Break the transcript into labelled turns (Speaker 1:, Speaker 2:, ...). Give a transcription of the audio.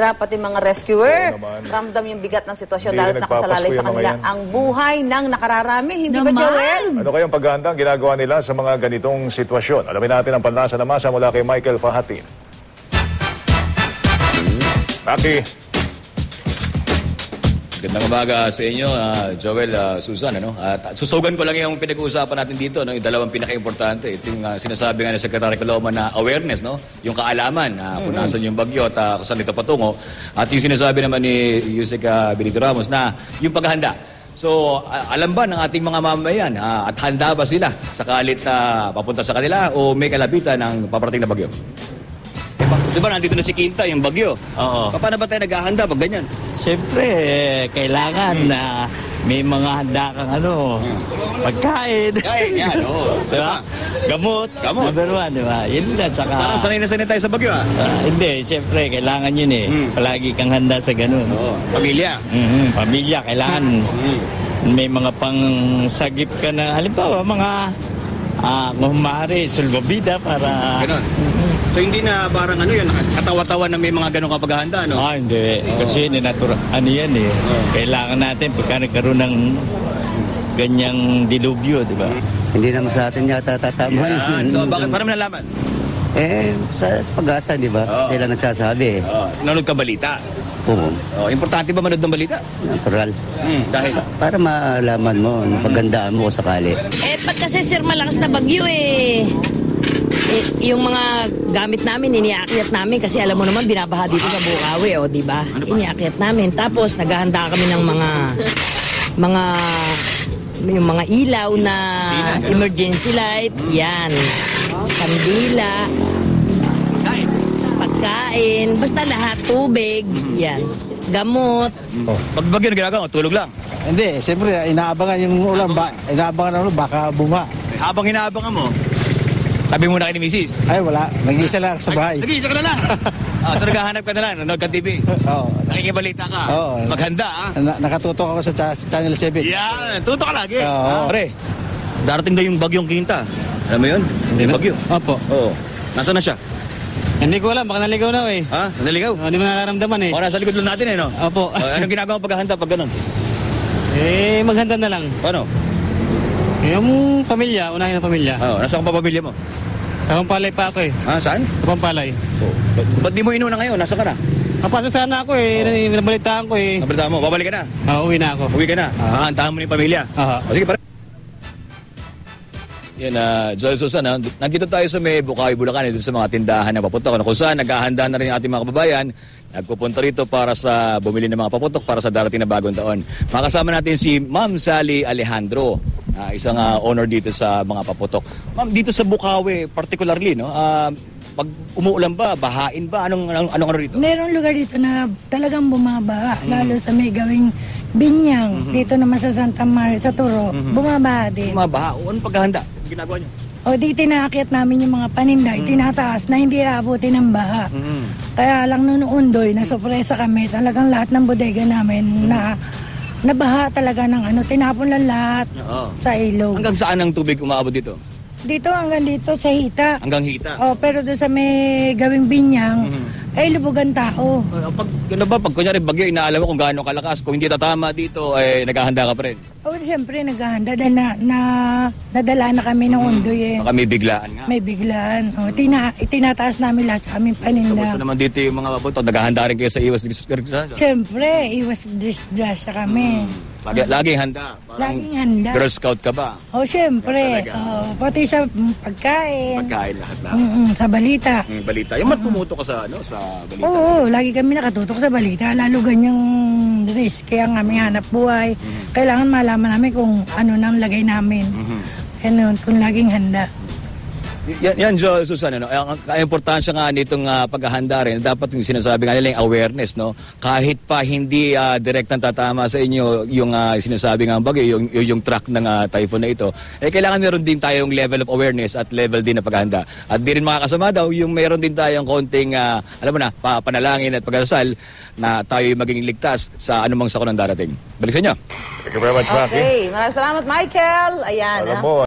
Speaker 1: pati mga rescuer,
Speaker 2: Oo naman.
Speaker 1: ramdam yung bigat ng sitwasyon
Speaker 2: Hindi
Speaker 1: dahil
Speaker 2: rin
Speaker 1: nakasalalay
Speaker 2: nagpapasko
Speaker 1: sa
Speaker 2: yung mga
Speaker 1: kanila
Speaker 2: yan.
Speaker 1: ang buhay ng nakararami. Hindi ba,
Speaker 3: Naman.
Speaker 1: Joel?
Speaker 2: Ano kayang paghahanda ang ginagawa nila sa mga ganitong sitwasyon? Alamin natin ang panlasa na masa mula kay Michael Fahatin. Maki.
Speaker 4: Gandang umaga sa inyo, Joel, Susan. At susugan ko lang yung pinag-uusapan natin dito, yung dalawang pinaka-importante. Ito yung sinasabi nga ni Secretary Caloma na awareness, yung kaalaman kung nasan yung bagyo at kung saan ito patungo. At yung sinasabi naman ni Yusek Benito Ramos na yung paghahanda. So, alam ba ng ating mga mamamayan at handa ba sila sakalit papunta sa kanila o may kalabitan ng paparating na bagyo? Diba nandito na si Quinta, yung bagyo?
Speaker 5: Oo.
Speaker 4: Paano ba tayo naghahanda pag ganyan?
Speaker 5: Siyempre, kailangan na may mga handa kang pagkain.
Speaker 4: Kain yan, oo.
Speaker 5: Diba? Gamot. Number one, diba? Yun lang, tsaka...
Speaker 4: Parang sanay na sanay tayo sa bagyo,
Speaker 5: hindi, siyempre, kailangan yun Palagi kang handa sa ganun.
Speaker 4: Oo. Pamilya.
Speaker 5: Pamilya, kailangan. May mga pangsagip ka na, halimbawa, mga kung maaari, sulbabida para...
Speaker 4: Ganon. So hindi na parang katawa-tawa na may mga ganong kapaghahanda, no?
Speaker 5: Hindi. Kasi yan Kailangan natin pagka nagkaroon ng ganyang dilubyo, di ba?
Speaker 6: Hindi naman sa atin yata tatama.
Speaker 4: So bakit para nalaman?
Speaker 6: Sa pag-asa, di ba? Sila nagsasabi.
Speaker 4: Nanonood ka balita?
Speaker 6: Oo.
Speaker 4: Importante ba manood ng balita?
Speaker 6: Natural.
Speaker 4: Dahil?
Speaker 6: Para malaman mo, pagandaan mo sakali.
Speaker 3: Pag kasi sir malakas na bagyo yung mga gamit namin, iniakyat namin kasi alam mo naman binabaha dito sa Bukawi, di ba? Iniakyat namin. Tapos naghahanda kami ng yung mga ilaw na emergency light, yan. Kandila, pagkain, basta lahat, tubig, yan. Gamot.
Speaker 4: Pag bagyo na ginagawa, tulog lang.
Speaker 7: Hindi, siyempre, inaabangan yung ulan, baka buma.
Speaker 4: Habang inaabangan mo, sabi mo na kay ni Mrs.
Speaker 7: Ay, wala. Nag-iisa lang sa bahay.
Speaker 4: Nag-iisa ka na lang. So naghahanap ka na lang, nanonood ka TV.
Speaker 7: Oo.
Speaker 4: Nakikibalita ka.
Speaker 7: Oo.
Speaker 4: Maghanda,
Speaker 7: Nakatutok ako sa Channel 7.
Speaker 4: Yan, tuto ka lagi.
Speaker 7: Oo.
Speaker 4: Pre, darating daw yung bagyong Quinta. Alam mo yun? Yung bagyo.
Speaker 5: Opo.
Speaker 4: Oo. Nasaan na siya?
Speaker 5: Hindi ko alam, baka naligaw na
Speaker 4: Naligaw?
Speaker 5: Hindi mo nararamdaman
Speaker 4: Nasa likod lang natin no?
Speaker 5: Opo.
Speaker 4: Anong ginagawa paghahanda pag ganun?
Speaker 5: Maghanda na lang.
Speaker 4: Paano?
Speaker 5: Yung pamilya, unahin ang pamilya.
Speaker 4: Nasaan ka pa pamilya mo?
Speaker 5: Sa Pampalay pa ako
Speaker 4: Saan?
Speaker 5: Sa Pampalay.
Speaker 4: Ba't di mo inuna ngayon? Nasaan ka na?
Speaker 5: Napasok sana ako nabalitaan ko
Speaker 4: Nabalita mo, babalik ka na?
Speaker 5: Uwi na ako.
Speaker 4: Uwi ka na? Hahantahan mo na yung pamilya? Sige, pare. Yan, Joel Susan, nandito tayo sa may Bukawi, Bulacan, dito sa mga tindahan na paputok, kung saan naghahanda na rin ang ating mga kababayan, nagpupunta rito para sa bumili ng mga paputok para sa darating na bagong taon. Makasama natin si Ma'am Sally Alejandro, isang owner dito sa mga paputok. Ma'am, dito sa Bukawi, particularly, pag umuulan ba, bahain ba, anong rito?
Speaker 8: Merong lugar dito na talagang bumabaha, lalo sa may gawing Binyang, dito naman sa Santa Maria, sa Turo, bumabaha din.
Speaker 4: Bumabaha? Anong paghahanda? Ginagawa niyo?
Speaker 8: Di tinaakyat namin yung mga paninda, itinataas na hindi aabutin ng baha. Kaya lang noon na sorpresa kami, talagang lahat ng bodega namin na nabaha talaga ng tinapon lang lahat sa ilog.
Speaker 4: Hanggang saan ang tubig umaabot dito?
Speaker 8: Dito hanggang dito sa Hita.
Speaker 4: Hanggang Hita?
Speaker 8: Pero doon sa may gawing Binyang, lubugan tao.
Speaker 4: Pag kunyari bagyo, inaalam mo kung gaano kalakas, kung hindi tatama dito, naghahanda ka pa rin?
Speaker 8: Siyempre naghahanda dahil nadala na kami ng undoy
Speaker 4: Baka may biglaan nga.
Speaker 8: May biglaan. Itinataas namin lahat sa aming paninda.
Speaker 4: Kamusta naman dito yung mga paputok? Naghahanda rin kayo sa iwas disgrasya?
Speaker 8: Siyempre, iwas disgrasya kami.
Speaker 4: Laging handa?
Speaker 8: Laging handa.
Speaker 4: Girl Scout ka ba?
Speaker 8: Siyempre. Pati sa pagkain.
Speaker 4: Pagkain lahat.
Speaker 8: Sa balita.
Speaker 4: Balita. Yung tumuto ka sa balita?
Speaker 8: Oo, lagi kami nakatutok sa balita. Lalo ganyang risk. Kaya ang aming hanap buhay. Kailangan malaman namin kung ano nang lagay namin. Kung laging handa.
Speaker 4: Yan, Joel Susan, ang importansya nga nitong paghahanda rin, dapat yung sinasabi nga nila yung awareness, kahit pa hindi direktang tatama sa inyo yung sinasabi nga bagay, yung track ng typhoon na ito, kailangan meron din tayong level of awareness at level din na paghahanda. At di rin makakasama daw, yung meron din tayong konting, alam mo na, panalangin at pagdasal na tayo maging ligtas sa anumang sakon ng darating. Balik sa inyo.
Speaker 2: Thank you very much, Maki.
Speaker 1: Okay, maraming salamat, Michael. Ayan.
Speaker 2: Alam mo,